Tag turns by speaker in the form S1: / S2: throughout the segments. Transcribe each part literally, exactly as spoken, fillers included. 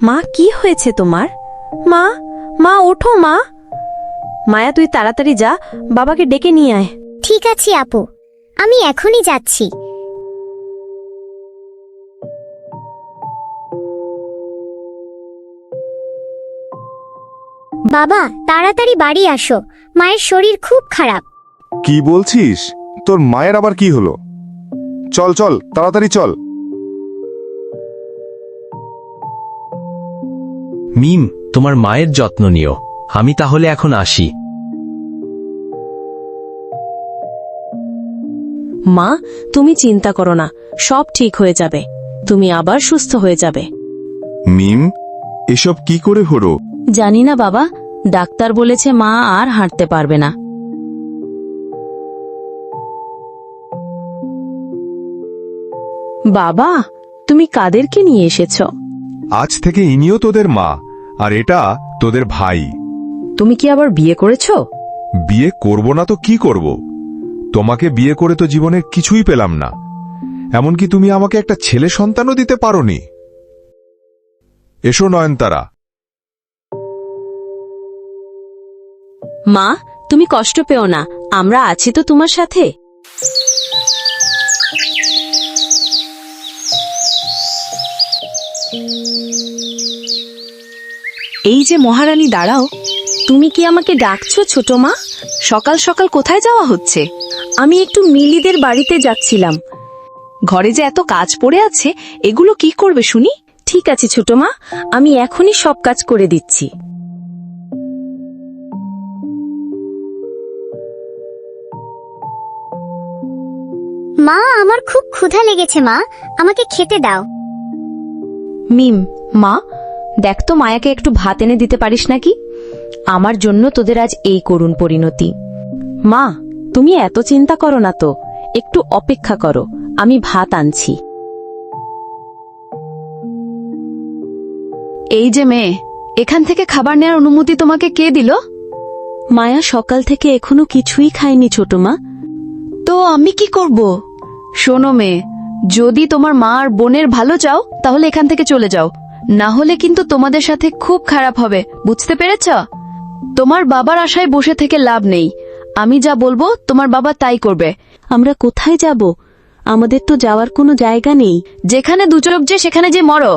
S1: মা কি হয়েছে তোমার? মা মা ওঠো মা। মায়া তুই তাড়াতাড়ি যা, বাবাকে ডেকে নিয়ে আয়।
S2: ঠিক আছে আপু, আমি এখনই যাচ্ছি। বাবা তাড়াতাড়ি বাড়ি আসো, মায়ের শরীর খুব খারাপ।
S3: কি বলছিস? তোর মায়ের আবার কি হলো? চল চল তাড়াতাড়ি চল।
S4: মিম, তোমার মায়ের যত্ন নিও। আমি তাহলে এখন আসি।
S1: মা তুমি চিন্তা করো না, সব ঠিক হয়ে যাবে, তুমি আবার সুস্থ হয়ে যাবে।
S3: মিম, এসব কি করে হলো?
S1: জানি না বাবা, ডাক্তার বলেছে মা আর হাঁটতে পারবে না। বাবা তুমি কাদেরকে নিয়ে এসেছ?
S3: আজ থেকে ইনিও তোদের মা, আর এটা তোদের ভাই।
S1: তুমি কি আবার বিয়ে করেছো?
S3: বিয়ে করব না তো কি করব? তোমাকে বিয়ে করে তো জীবনে কিছুই পেলাম না, এমনকি তুমি আমাকে একটা ছেলে সন্তানও দিতে পারোনি। এসো নয়নতারা।
S1: মা তুমি কষ্ট পেও না, আমরা আছি তো তোমার সাথে। এই যে মহারানী দাঁড়াও, তুমি কি আমাকে ডাকছো ছোট মা? সকাল সকাল কোথায় যাওয়া হচ্ছে? আমি একটু মিলিদের বাড়িতে যাচ্ছিলাম। ঘরে যে এত কাজ পড়ে আছে, এগুলো কি করবে শুনি? ঠিক আছে ছোট মা, আমি এখনই সব কাজ করে দিচ্ছি।
S2: মা আমার খুব ক্ষুধা লেগেছে, মা আমাকে খেতে দাও।
S1: মিম, মা দেখ তো মায়াকে একটু ভাত এনে দিতে পারিস নাকি? আমার জন্য তোদের আজ এই করুণ পরিণতি। মা তুমি এত চিন্তা করো না তো, একটু অপেক্ষা করো, আমি ভাত আনছি।
S5: এই যে মেয়ে, এখান থেকে খাবার নেওয়ার অনুমতি তোমাকে কে দিল?
S1: মায়া সকাল থেকে এখনো কিছুই খায়নি ছোট মা।
S5: তো আমি কি করব? শোনো মেয়ে, যদি তোমার মা আর বোনের ভালো চাও তাহলে এখান থেকে চলে যাও, না হলে কিন্তু তোমাদের সাথে খুব খারাপ হবে, বুঝতে পেরেছ? তোমার বাবার আশায় বসে থেকে লাভ নেই, আমি যা বলবো তোমার বাবা তাই করবে।
S1: আমরা কোথায় যাব? আমাদের তো যাওয়ার কোনো জায়গা নেই।
S5: যেখানে দু চোখ যে সেখানে যে মরো।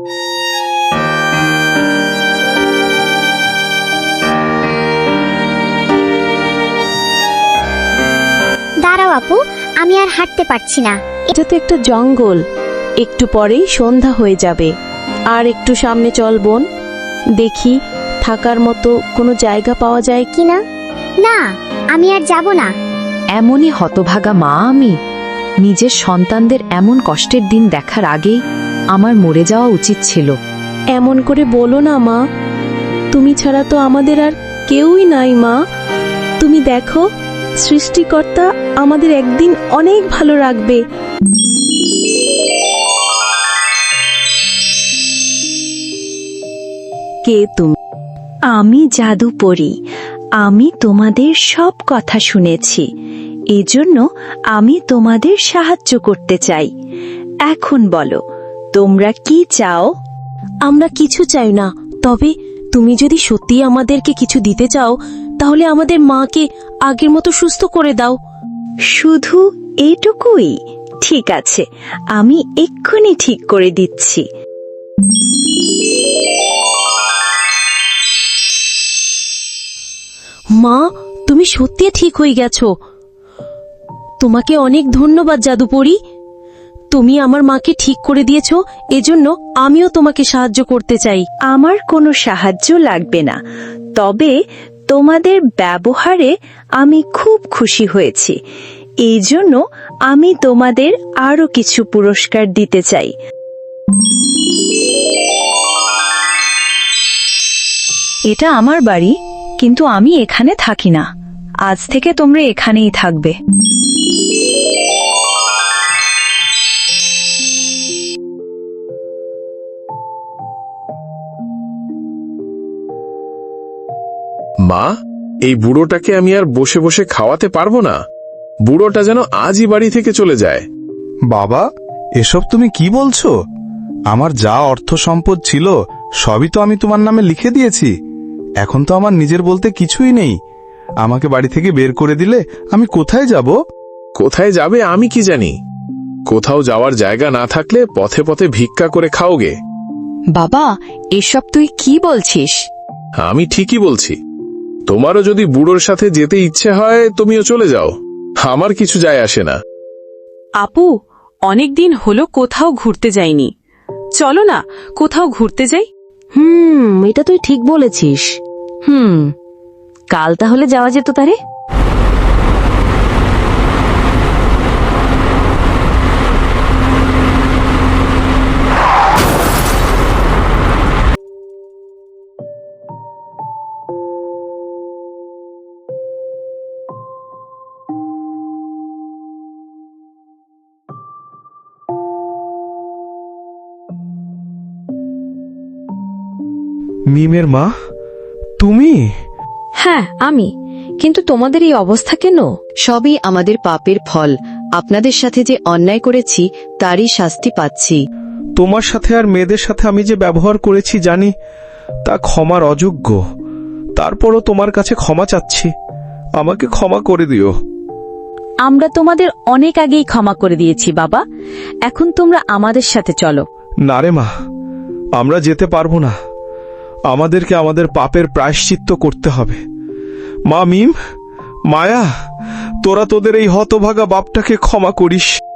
S2: দাঁড়াও আপু, আমি আর হাঁটতে পারছি না।
S1: এটা তো একটা জঙ্গল, একটু পরেই সন্ধ্যা হয়ে যাবে। আর একটু সামনে চল বোন, দেখি থাকার মতো কোনো জায়গা পাওয়া যায় কি না।
S2: না, আমি আর যাব না।
S5: এমনই হতভাগা মা আমি। নিজের সন্তানদের এমন কষ্টের দিন দেখার আগেই আমার মরে যাওয়া উচিত ছিল।
S1: এমন করে বলো না মা, তুমি ছাড়া তো আমাদের আর কেউই নাই মা। তুমি দেখো, সৃষ্টিকর্তা আমাদের একদিন অনেক ভালো রাখবে। কে তুমি?
S6: আমি জাদুপরী। আমি তোমাদের সব কথা শুনেছি, এজন্য আমি তোমাদের সাহায্য করতে চাই। এখন বলো, তোমরা কি চাও?
S1: আমরা কিছু চাই না, তবে তুমি যদি সত্যি আমাদেরকে কিছু দিতে চাও তাহলে আমাদের মাকে আগের মতো সুস্থ করে দাও।
S6: শুধু এটুকুই? ঠিক আছে, আমি এক্ষুনি ঠিক করে দিচ্ছি।
S1: মা তুমি সত্যি ঠিক হয়ে গেছো, তোমাকে অনেক ধন্যবাদ জাদুপরী। তুমি আমার মাকে ঠিক করে দিয়েছো, এজন্য আমিও তোমাকে সাহায্য করতে চাই।
S6: আমার কোনো সাহায্য লাগবে না, তবে তোমাদের ব্যবহারে আমি খুব খুশি হয়েছি, এই জন্য আমি তোমাদের আরো কিছু পুরস্কার দিতে চাই। এটা আমার বাড়ি, কিন্তু আমি এখানে থাকি না। আজ থেকে তোমরা এখানেই থাকবে।
S7: মা, এই বুড়োটাকে আমি আর বসে বসে খাওয়াতে পারবো না। বুড়োটা যেন আজই বাড়ি থেকে চলে যায়।
S3: বাবা, এসব তুমি কি বলছো? আমার যা অর্থ সম্পদ ছিল
S8: সবই তো আমি তোমার নামে লিখে দিয়েছি। এখন তো আমার নিজের বলতে কিছুই নেই। আমাকে বাড়ি থেকে বের করে দিলে আমি কোথায় যাব?
S7: কোথায় যাবে আমি কি জানি। কোথাও যাওয়ার জায়গা না থাকলে পথে পথে ভিক্ষা করে খাওগে।
S1: বাবা, এসব তুই কি বলছিস?
S7: আমি ঠিকই বলছি। তোমারও যদি বুড়োর সাথে যেতে ইচ্ছে হয় তুমিও চলে যাও, আমার কিছু যায় আসে না।
S9: আপু, অনেকদিন হলো কোথাও ঘুরতে যাইনি, চলো না কোথাও ঘুরতে যাই।
S1: হুম, এটা তুই ঠিক বলেছিস। হুম, কাল তাহলে যাওয়া যেত তারে।
S8: মিমের মা, তুমি?
S1: হ্যাঁ, আমি। কিন্তু তোমাদের এই অবস্থা কেন?
S5: সবই আমাদের পাপের ফল। আপনাদের সাথে যে অন্যায় করেছি তারই শাস্তি পাচ্ছি।
S8: তোমার সাথে আর মেয়েদের সাথে আমি যে ব্যবহার করেছি জানি তা ক্ষমার অযোগ্য। তারপরও তোমার কাছে ক্ষমা চাচ্ছি, আমাকে ক্ষমা করে দিও।
S6: আমরা তোমাদের অনেক আগেই ক্ষমা করে দিয়েছি বাবা। এখন তোমরা আমাদের সাথে চলো।
S8: না রে মা, আমরা যেতে পারবো না। আমাদেরকে আমাদের পাপের প্রায়শ্চিত্ত করতে হবে। মা, মিম, মায়া, তোরা তোদের এই হতভাগা বাপটাকে ক্ষমা করিস।